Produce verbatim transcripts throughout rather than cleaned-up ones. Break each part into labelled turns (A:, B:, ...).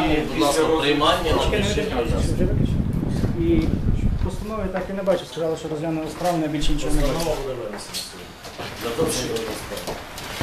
A: І, будь ласка, приймання на
B: Вже
A: більше.
B: виключено. І постанови так і не бачу. Сказали, що розглянули справу, не більше нічого не бачу.
A: Постанова буде винесена сьогодні. Для того, щоб розглядати.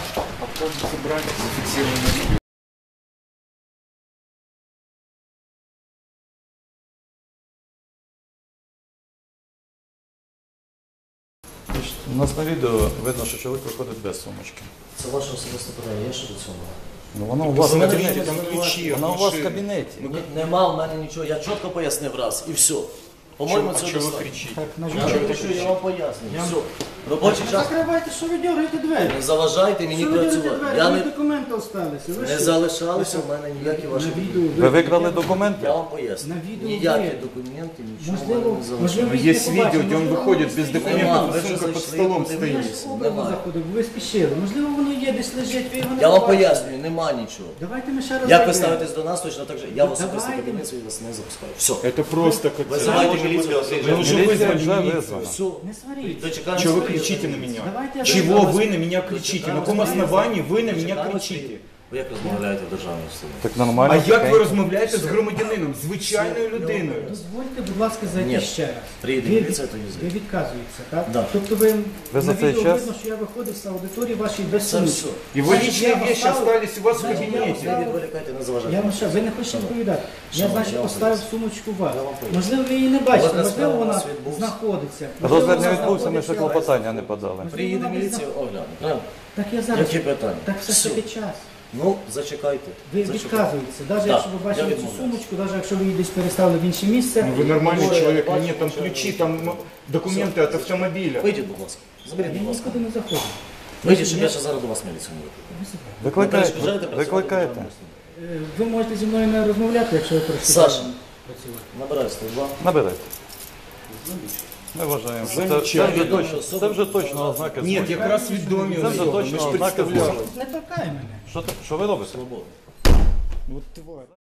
C: У нас на відео видно, що чоловік виходить без сумочки.
A: Це ваше особисте питання, є що до цього?
C: Ну, вона у вас в кабінеті.
D: Там ключі,
C: Вона у вас в кабінеті.
A: Ні, нема в мене нічого, я чітко пояснив раз і все. По-моєму,
D: А
A: це
D: чого ви
A: достатньо.
D: кричите?
B: Так, на
A: Я
B: жаль.
A: не кричу, я вам пояснюю. Все. Робочий час.
B: Закривайте, що ви дергаєте двері?
A: Не заважайте мені
B: Що ви дергаєте
A: працювати.
B: двері?
A: Я
B: Ви
A: не,
B: документи залишилися. Ви
A: не
B: що?
A: залишалися в мене ніякі ваші
B: На
A: документи.
B: відео
C: Ви викрали документи?
A: Я вам поясню.
B: На відео
A: Ніякі
B: є.
A: документи, нічого в
B: Можливо,
A: мене не залишилося.
B: можливо, їх
D: Есть
B: не
D: видео,
B: побачили,
D: где он
B: можливо,
D: выходит
B: вони
D: без
B: стоять.
A: Нема,
D: документов,
A: ви
D: а
A: вже
D: сумка под
A: зайшли,
D: столом
A: подивилися.
B: Я
D: стоит.
B: ж образно
A: Немає.
B: заходив, бо ви спішили. Можливо, воно є, десь лежить, ви його не
A: Я вам
B: побачили.
A: пояснюю, нема нічого.
B: Давайте ми ще раз
A: Як ви
B: зайдемо.
A: ставитесь до нас, точно так же. Я в особистий
B: Давайте.
A: кабінет свій вас не запускаю. Все.
D: Это просто как...
A: Вызывайте милицию.
D: Вы уже
C: Міліція
D: вызвали
C: вже
D: милицию.
C: визвана.
A: Все.
B: Не сваріть.
A: Дочекаємося.
D: Чего вы кричите на меня?
B: Давайте я
D: Чего
B: зайду.
D: вы на меня кричите? На каком основании вы на меня кричите?
A: Ви як розмовляєте в державній установі?
C: Так нормально.
D: А як ви
C: тихенько.
D: розмовляєте з громадянином, звичайною людиною?
B: Дозвольте, будь ласка, зайти
A: Ні.
B: ще раз.
A: Приїде
B: Ви
A: міліція,
B: від-
A: то не
B: Ви
A: зайде.
B: відказуєтеся, так?
A: Да.
B: Тобто ви,
C: Ви за
B: на
C: цей
B: відео
C: час-
B: видно, що я виходив з аудиторії вашої без
A: Це
B: сумочки.
A: все.
D: Его
B: Значить,
D: личные
B: я
D: вещи
B: поставив-
D: остались у вас в
B: Значить, я
D: кабинете.
B: поставив-
A: Не відволікайте, не заважайте.
B: Я вам ще, ви не хочете відповідати. Я,
A: Шановний,
B: значить,
A: я вам
B: поставив
A: поясню.
B: сумочку у вас.
A: Я вам поясню.
B: Можливо, ви її не бачите,
A: Розгляд
B: можливо,
A: справи у
B: вона
A: нас відбувся.
B: знаходиться. Можливо,
C: Розгляд не
B: вона
C: відбувся, ми ще
B: знаходиться.
C: клопотання не подали.
A: Приїде міліція, огляне. Правильно?
B: Так я зараз.
A: Які питання?
B: Так все ж
A: Все.
B: таки час.
A: Ну, зачекайте.
B: Ви
A: Зачекайте.
B: відказуєтеся, навіть
A: Так,
B: якщо ви
A: я
B: бачили цю
A: відмовляюсь.
B: сумочку, навіть якщо ви її десь переставили в інше місце.
D: Ну, вы нормальный
A: Ой,
D: человек,
A: бачу,
D: нет, там
A: бачу.
D: ключи, там ну, документы от автомобиля.
A: Вийдіть, будь ласка. Заберіть,
B: Я
A: будь ласка.
B: нікуди не заходжу.
A: Вийдіть, щоб я ще зараз до вас міліцію не викликав.
C: Викликайте.
A: перешкоджаєте працювати в
C: Викликайте.
A: державній установі?
B: Е, Ви можете зі мною не розмовляти, якщо ви працюєте.
A: Саша. Набирай сто два.
C: Набирайте. Ми вважаємо, що це, це, вже точно, це вже точно ознаки
D: Нет,
C: злочину.
D: якраз відомі
C: Це вже
D: особи, ми
C: точно
D: ж
C: ознаки
D: представляли.
C: злочину.
B: Не торкай мене.
C: Що, ти- що ви робите?
A: Свобода.
D: Вот тварь.